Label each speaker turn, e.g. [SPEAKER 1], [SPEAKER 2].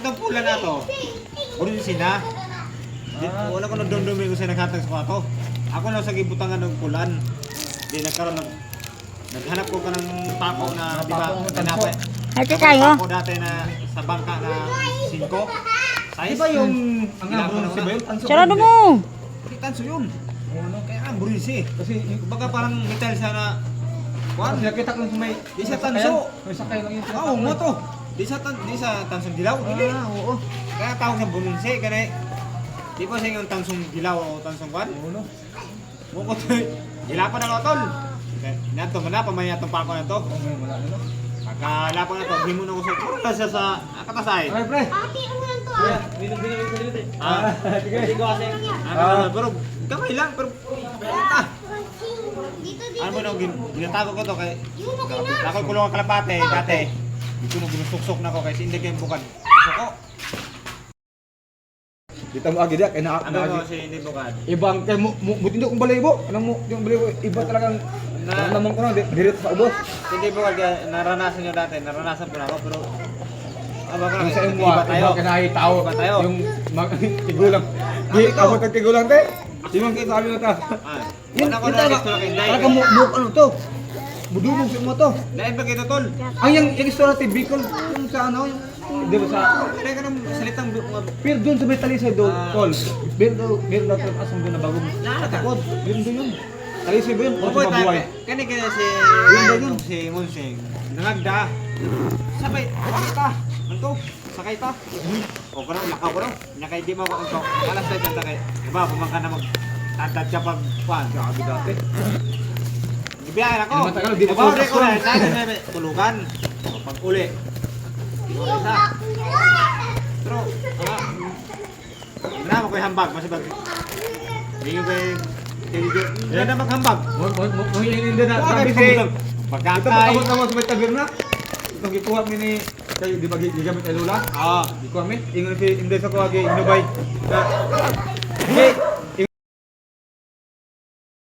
[SPEAKER 1] Katong pula na to. Burin sina. Wala ko nagdundumi ko sa naghatag sa kwato. Ako lang sa gibutangan ng pulan. Di nagkaroon ng naghanap ko ka ng pako na di ba tinapay.
[SPEAKER 2] Ate tayo.
[SPEAKER 1] Ako dati na sa bangka na 5. Size.
[SPEAKER 3] Di ba yung ang bronze ba yun?
[SPEAKER 2] Sarado mo.
[SPEAKER 1] Tanso yun. Ano kaya ang burinsi.
[SPEAKER 3] Kasi
[SPEAKER 1] Baga parang metal siya na
[SPEAKER 3] Juan, nakita ko sa may
[SPEAKER 1] Di sa tanso.
[SPEAKER 3] May sakay lang yun.
[SPEAKER 1] Oo, mo to. Di sa tansong dilaw. Dili.
[SPEAKER 3] Oo.
[SPEAKER 1] Kaya tawag sa burinsi kani. Di pa siya yung tansong dilaw o tansong kwan.
[SPEAKER 3] Uno.
[SPEAKER 1] Mukot. Hilapan na tol. Nato man na pamaya tong pako na to.
[SPEAKER 3] Wala na.
[SPEAKER 1] Pagkalapan na to, himo na ko sa pura siya sa katasay.
[SPEAKER 3] Ay, pre.
[SPEAKER 4] Ate, ano lang to
[SPEAKER 3] Kuya,
[SPEAKER 4] ah?
[SPEAKER 3] binili. Sige.
[SPEAKER 1] Hindi ko kasi. Pero kamay lang pero
[SPEAKER 4] Dito,
[SPEAKER 1] ano
[SPEAKER 4] dito.
[SPEAKER 1] mo na ginatago ko to kay
[SPEAKER 4] Yun, okay na.
[SPEAKER 1] ako kulong ang kalapate dati. Dito mo ginusuksok na ko kasi hindi kayo bukan. Suko.
[SPEAKER 3] Dito mo agi dia kay na
[SPEAKER 1] Ano mo si hindi bukan.
[SPEAKER 3] ibang kay mo buti kong balayibo. Anong mo yung balayibo iba talagang naman ko na diret sa ubos.
[SPEAKER 1] Hindi bukan kaya naranasan nyo dati, naranasan po na ako pero aba ko
[SPEAKER 3] Ang
[SPEAKER 1] lang
[SPEAKER 3] sa imo
[SPEAKER 1] iba tayo.
[SPEAKER 3] iba kanahi tao.
[SPEAKER 1] Iba tayo.
[SPEAKER 3] Yung tigulang. Di ako tag tigulang te. Di man kita sabi mo ta.
[SPEAKER 1] Ah,
[SPEAKER 3] Yun
[SPEAKER 1] wala ko
[SPEAKER 3] yun
[SPEAKER 1] na
[SPEAKER 3] talaga.
[SPEAKER 1] gusto lang kay
[SPEAKER 3] Talaga mo ano to? Budubog sa mo to.
[SPEAKER 1] Dahil ba kito tol?
[SPEAKER 3] Ang yung istorya ti Bicol yung sa ano yung di ba sa
[SPEAKER 1] Kaya ka ng salitang
[SPEAKER 3] pero doon sa may talisay doon,
[SPEAKER 1] Ah.
[SPEAKER 3] tol. Pero daw tol asang doon na bagong katakot. Yun doon yun. Talisay ba yun? O
[SPEAKER 1] Opo,
[SPEAKER 3] sa mabuhay?
[SPEAKER 1] kani kaya si
[SPEAKER 3] Yun ba yun?
[SPEAKER 1] si Monseng. Nangagda. Sabay, sakay ta. Anto, sakay ta. O ko raw, lakaw ko raw. Nakay di mo ko anto. Alas na kanta kay. Diba, pumangka na mag tantad ka pag kuan.
[SPEAKER 3] Grabe dati.
[SPEAKER 1] Gibiyahe ako.
[SPEAKER 3] Hindi matagal, di mo
[SPEAKER 1] Diba,
[SPEAKER 3] focus
[SPEAKER 1] ko na.
[SPEAKER 3] yun.
[SPEAKER 1] Sabi tulugan. O, pag uli. Isa. Pero, na mo ko'y hambag. Masibag. Hindi ko ko'y hindi na maghambag.
[SPEAKER 3] Mo hindi na sabi si ito
[SPEAKER 1] Pagkakay.
[SPEAKER 3] abot naman sa may taberna. Ito gikuha mi ni kayo di ba gigamit ay lula?
[SPEAKER 1] Oo.
[SPEAKER 3] Gikuha mi ingon si Inday sa kuha gi inubay. Hey,